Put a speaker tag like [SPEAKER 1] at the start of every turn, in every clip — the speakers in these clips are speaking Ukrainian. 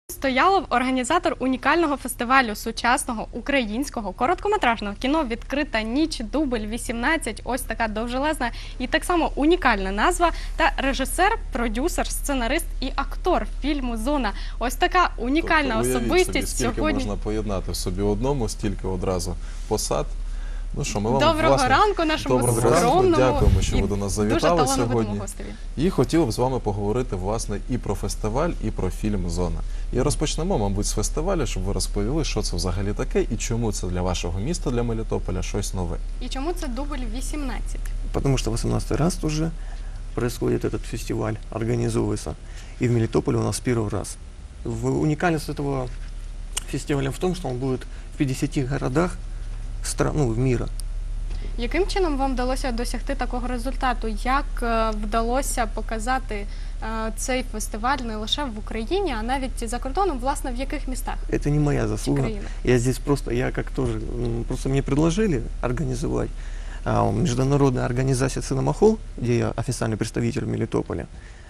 [SPEAKER 1] Стоялов – організатор унікального фестивалю сучасного українського короткометражного кіно «Відкрита ніч», дубль 18, ось така довжелезна і так само унікальна назва, та режисер, продюсер, сценарист і актор фільму «Зона». Ось така унікальна особистість
[SPEAKER 2] сьогодні. Скільки можна поєднати в собі одному, стільки одразу посад. Ну що, ми вам,
[SPEAKER 1] Доброго ранку нашому скромному,
[SPEAKER 2] дякуємо, що ви до нас завітали
[SPEAKER 1] сьогодні.
[SPEAKER 2] І хотіли б з вами поговорити, власне, і про фестиваль, і про фільм «Зона». І розпочнемо, мабуть, з фестивалю, щоб ви розповіли, що це взагалі таке, і чому це для вашого міста, для Мелітополя, щось нове.
[SPEAKER 1] І чому це дубль 18?
[SPEAKER 3] Потому что 18-й раз уже происходит этот фестиваль, организовывается. И в Мелитополе у нас первый раз. Уникальность этого фестиваля в том, что он будет в 50 городах мира.
[SPEAKER 1] Яким чином вам вдалося досягти такого результату? Як вдалося показати цей фестиваль не лише в Україні, а навіть за кордоном, власне, в яких містах?
[SPEAKER 3] Это не моя заслуга. Я здесь просто мне предложили организовать международная организация «Циномахол», где я официальный представитель Мелитополя.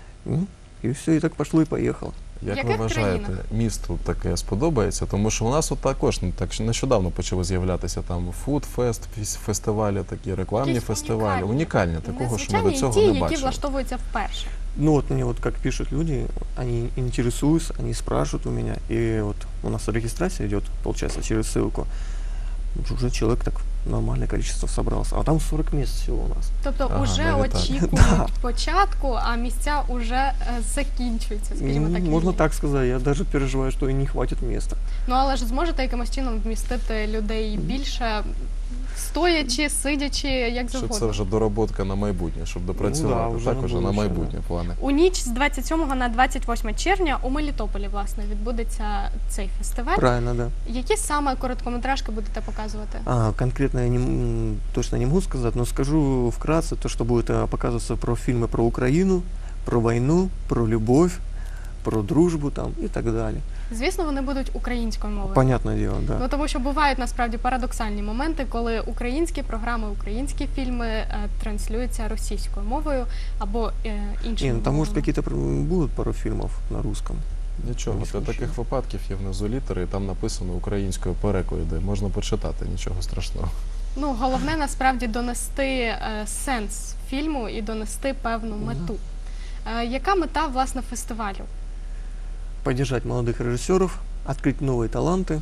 [SPEAKER 3] И все, и так пошло и поехало.
[SPEAKER 2] Як ви вважаєте, місту таке сподобається? Тому що у нас от також нещодавно почали з'являтися там фудфест, фестивалі, такі рекламні фестивалі. Унікальні, такого, що ми до цього не бачили.
[SPEAKER 1] Які влаштовуються вперше.
[SPEAKER 3] Ну вот мне вот как пишут люди, они интересуются, они спрашивают у меня, и вот у нас регистрация идет, получается, через ссылку. Уже человек так нормальное количество собрался, а там 40 мест всего у нас.
[SPEAKER 1] Тобто вже очікують початку, а місця вже закінчуються, скажімо так.
[SPEAKER 3] Можна так сказати, я навіть переживаю, що і не хватить місця.
[SPEAKER 1] Ну але ж зможете якимось чином вмістити людей більше, стоячи, сидячи, як завгодно?
[SPEAKER 2] Що це вже дороботка на майбутнє, щоб допрацювати, також на майбутнє плани.
[SPEAKER 1] У ніч з 27 на 28 червня у Мелітополі, власне, відбудеться цей фестиваль.
[SPEAKER 3] Правильно, да.
[SPEAKER 1] Які саме короткометражки будете показувати?
[SPEAKER 3] Конкретно я точно не можу сказати, але скажу вкратце, то, що буде показуватися про фільми про Україну, про війну, про любов, про дружбу там і так далі.
[SPEAKER 1] Звісно, вони будуть українською мовою.
[SPEAKER 3] Понятне діло, да.
[SPEAKER 1] Ну, тому що бувають насправді парадоксальні моменти, коли українські програми, українські фільми транслюються російською мовою або іншою мовою.
[SPEAKER 3] Там, може, якісь будуть пару фільмів на русском.
[SPEAKER 2] Нічого, для таких випадків є внизу літери, і там написано українською переклади, можна почитати, нічого страшного.
[SPEAKER 1] Ну, головне, насправді, донести сенс фільму і донести певну мету. Яка мета, власне, фестивалю?
[SPEAKER 3] Поддержать молодых режиссеров, открыть новые таланты.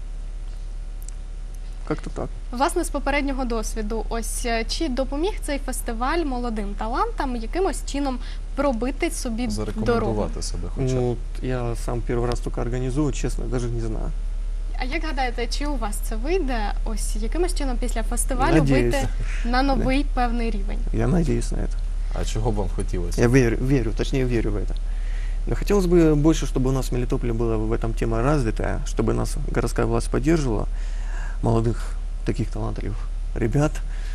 [SPEAKER 3] Как-то так.
[SPEAKER 1] Власне, з попереднього досвіду, ось чи допоміг цей фестиваль молодим талантам якимось чином пробити собі дорогу?
[SPEAKER 2] Зарекомендувати себе хоча б.
[SPEAKER 3] Ну, я сам перший раз тільки організую, чесно, навіть не знаю.
[SPEAKER 1] А як гадаєте, чи у вас це вийде, ось якимось чином після фестивалю вийти на новий певний рівень?
[SPEAKER 3] Я надеюсь на это.
[SPEAKER 2] А чого б вам хотілося?
[SPEAKER 3] Я верю в это. Но хотелось бы больше, чтобы у нас в Мелитополе была в этом тема развитая, чтобы нас городская власть поддерживала, молодых таких талантливых ребят,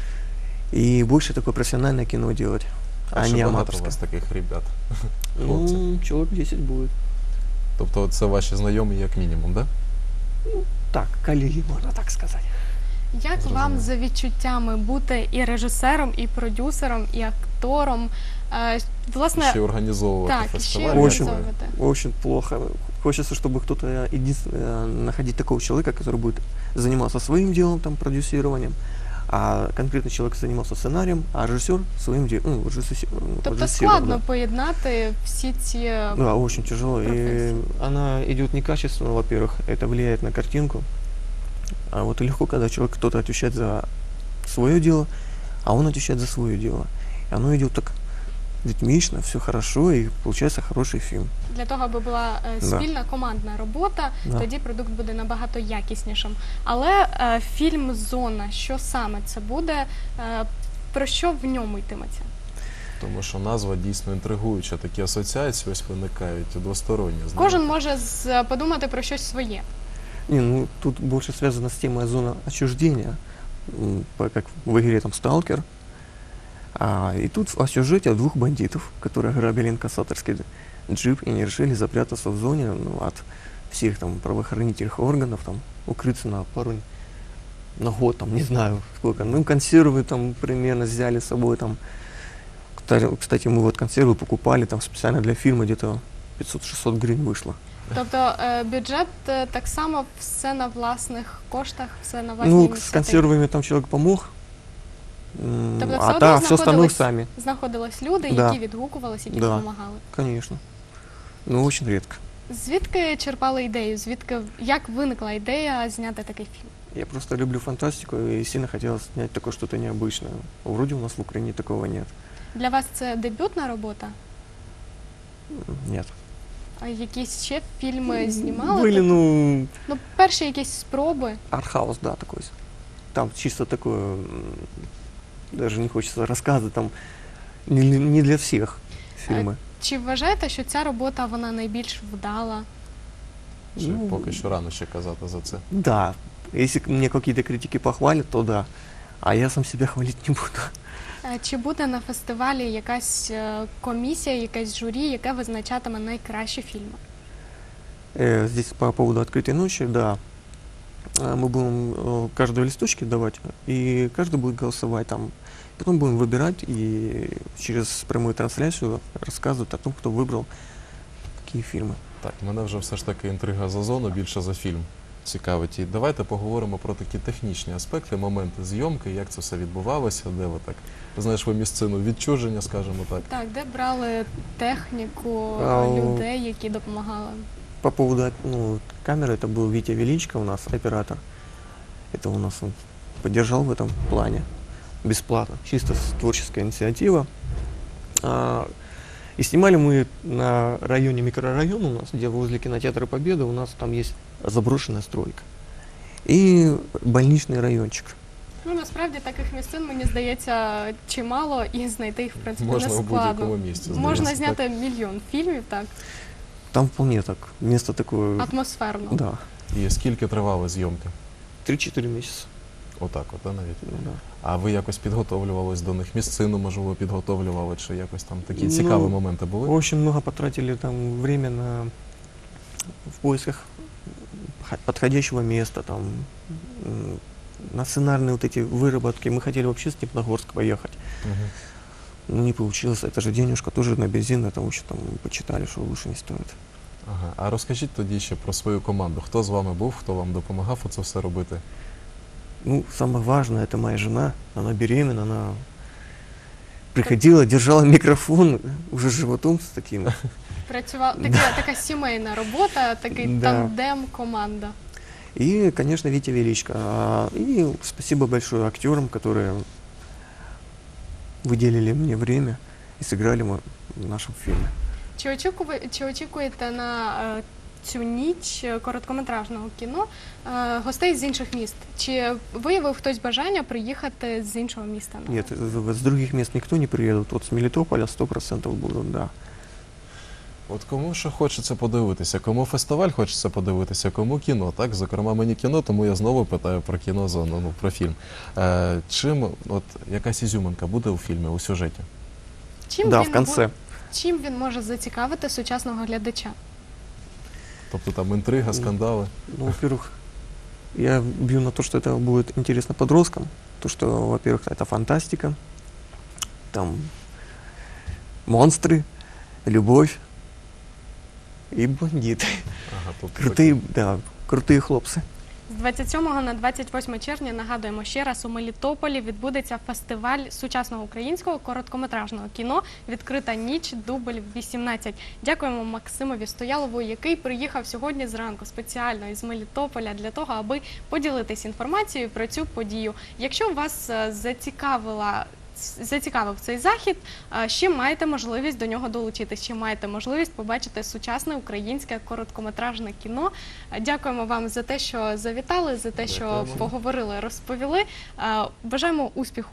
[SPEAKER 3] и больше такое профессиональное кино делать, а не аматорское.
[SPEAKER 2] У вас таких ребят?
[SPEAKER 3] Ну, человек 10 будет.
[SPEAKER 2] Тобто це ваші знайомі як мінімум, да?
[SPEAKER 3] Ну, так, колеги, можна так сказати.
[SPEAKER 1] Як вам за відчуттями бути і режисером, і продюсером, і актором? Власне,
[SPEAKER 2] ще організовувати фестиваль?
[SPEAKER 3] Очень плохо. Хочется, чтобы кто-то находить такого человека, который будет заниматься своим делом, там, продюсированием, а конкретный человек занимался сценарием, а режиссер своим делом.
[SPEAKER 1] Тобто складно поєднати всі ці
[SPEAKER 3] Да, очень тяжело. И она идет некачественно, во-первых, это влияет на картинку. А вот легко, когда человек, кто-то отвечает за свое дело, а он отвечает за свое дело. И оно идет так ритмично, все хорошо, и получается хороший фільм.
[SPEAKER 1] Для того, аби була спільна командна робота, тоді продукт буде набагато якіснішим. Але фільм «Зона», що саме це буде, про що в ньому йтиметься?
[SPEAKER 2] Тому що назва дійсно інтригуюча, такі асоціації ось виникають двосторонні.
[SPEAKER 1] Кожен може подумати про щось своє.
[SPEAKER 3] Не, ну тут больше связано с темой зона отчуждения, как в игре там «Сталкер». И тут о сюжете двух бандитов, которые грабили инкассаторский джип и не решили запрятаться в зоне от всех там правоохранительных органов, там, укрыться на год, там, не знаю сколько. Ну, консервы там примерно взяли с собой. Там. Кстати, мы вот консервы покупали там специально для фильма, где-то 500-600 гривен вышло.
[SPEAKER 1] Тобто бюджет так само все на власних коштах, все на власній
[SPEAKER 3] Ну, с
[SPEAKER 1] ініціативі.
[SPEAKER 3] консервами там человек помог,
[SPEAKER 1] Тобто все
[SPEAKER 3] а
[SPEAKER 1] одно
[SPEAKER 3] так все остальное
[SPEAKER 1] знаходились-
[SPEAKER 3] сами,
[SPEAKER 1] знаходились люди,
[SPEAKER 3] Да.
[SPEAKER 1] які відгукувалися, які
[SPEAKER 3] Да.
[SPEAKER 1] допомагали.
[SPEAKER 3] конечно. Но очень редко.
[SPEAKER 1] Звідки черпали ідею? Як виникла ідея зняти такий фільм?
[SPEAKER 3] Я просто люблю фантастику и сильно хотелось снять такое что-то необычное. Вроде у нас в Украине такого нет.
[SPEAKER 1] Для вас це дебютна робота?
[SPEAKER 3] Нет.
[SPEAKER 1] А якісь ще фільми знімали?
[SPEAKER 3] Были, ну,
[SPEAKER 1] Ну, перші якісь спроби.
[SPEAKER 3] артхаус, да, такой. Там чисто такое, даже не хочется рассказывать, там не для всех фильмы.
[SPEAKER 1] Чи вважаєте, що ця робота вона найбільш вдала?
[SPEAKER 2] Чи
[SPEAKER 3] Ну,
[SPEAKER 2] поки що рано ще казати за це?
[SPEAKER 3] Да, если мне какие-то критики похвалят, то да. А я сам себя хвалить не буду.
[SPEAKER 1] Чи буде на фестивалі якась комісія, якесь журі, яке визначатиме найкращі фільми?
[SPEAKER 3] Здесь по поводу открытой ночи, да. Мы будем каждого листочки давать, и каждый будет голосовать там. Потом будем выбирать и через прямую трансляцию рассказывать о том, кто выбрал какие фильмы.
[SPEAKER 2] Так, мене вже все ж таки інтрига за зону більше за фільм цікавить. І давайте поговоримо про такі технічні аспекти, моменти зйомки, як це все відбувалося, де ви так знайшли місцину відчуження, скажімо так.
[SPEAKER 1] Так, де брали техніку людей, які допомагали?
[SPEAKER 3] По поводу камеры, это был Витя Величко у нас, оператор. Это у нас он поддержал в этом плане бесплатно, чисто творческая инициатива. И снимали мы на районе, микрорайон у нас, где возле кинотеатра Победа, у нас там есть заброшенная стройка. И больничный райончик.
[SPEAKER 1] Ну, насправді таких місцин, мені здається, чимало, і знайти їх, в принципі,
[SPEAKER 2] Можна
[SPEAKER 1] не
[SPEAKER 2] у
[SPEAKER 1] складно.
[SPEAKER 2] будь-якому місці.
[SPEAKER 1] Можна
[SPEAKER 2] здається,
[SPEAKER 1] зняти мільйон фільмів, так,
[SPEAKER 3] Там вполне так, место такое,
[SPEAKER 1] атмосферно.
[SPEAKER 3] да,
[SPEAKER 2] так. І скільки тривали зйомки?
[SPEAKER 3] 3-4 месяца.
[SPEAKER 2] Отак, от, навіть.
[SPEAKER 3] Да.
[SPEAKER 2] А ви якось підготовлювались до них? Місцину, можливо, підготовлювали, чи якось там такі
[SPEAKER 3] Ну,
[SPEAKER 2] цікаві моменти були?
[SPEAKER 3] Очень много потратили там время в поисках подходящего места, там, на сценарные вот эти выработки. Мы хотели вообще в Степногорск поехать.
[SPEAKER 2] Мгм.
[SPEAKER 3] Но не получилось. Это же денежка тоже на бензин, это еще там почитали, что лучше не стоит.
[SPEAKER 2] Ага. А розкажіть тоді ще про свою команду. Хто з вами був, хто вам допомагав оце все робити?
[SPEAKER 3] Ну, самое важное, это моя жена. Она беременна, она приходила, держала микрофон уже животом с таким.
[SPEAKER 1] Така сімейна робота, такий
[SPEAKER 3] Да.
[SPEAKER 1] тандем, команда.
[SPEAKER 3] И, конечно, Витя Величко. И спасибо большое актерам, которые выделили мне время и сыграли в нашем фильме.
[SPEAKER 1] Чи очікуєте на цю ніч короткометражного кіно гостей з інших міст? Чи виявив хтось бажання приїхати з іншого міста?
[SPEAKER 3] Нет, с других мест никто не приедет. Вот с Мелитополя 100% будут, да.
[SPEAKER 2] От кому що хочеться подивитися, кому фестиваль хочеться подивитися, кому кіно, так? Зокрема, мені кіно, тому я знову питаю про кінозону, ну, про фільм. Чим, от, якась ізюминка буде у фільмі, у сюжеті?
[SPEAKER 3] Да, в конце.
[SPEAKER 1] Чим він може зацікавити сучасного глядача?
[SPEAKER 2] Тобто там інтрига, скандали?
[SPEAKER 3] Ну, во-первых, я бью на то, что это будет интересно подросткам. То, что, во-первых, это фантастика, там монстры, любовь и бандиты.
[SPEAKER 2] Ага, тобто
[SPEAKER 3] Крутые, да, крутые хлопцы.
[SPEAKER 1] З 27 на 28 червня, нагадуємо ще раз, у Мелітополі відбудеться фестиваль сучасного українського короткометражного кіно «Відкрита ніч. Дубль 18». Дякуємо Максимові Стоялову, який приїхав сьогодні зранку спеціально із Мелітополя для того, аби поділитись інформацією про цю подію. Якщо вас зацікавив цей захід, ще маєте можливість до нього долучитись, ще маєте можливість побачити сучасне українське короткометражне кіно. Дякуємо вам за те, що завітали, за те, що
[SPEAKER 2] Дякуємо.
[SPEAKER 1] поговорили, розповіли. Бажаємо успіху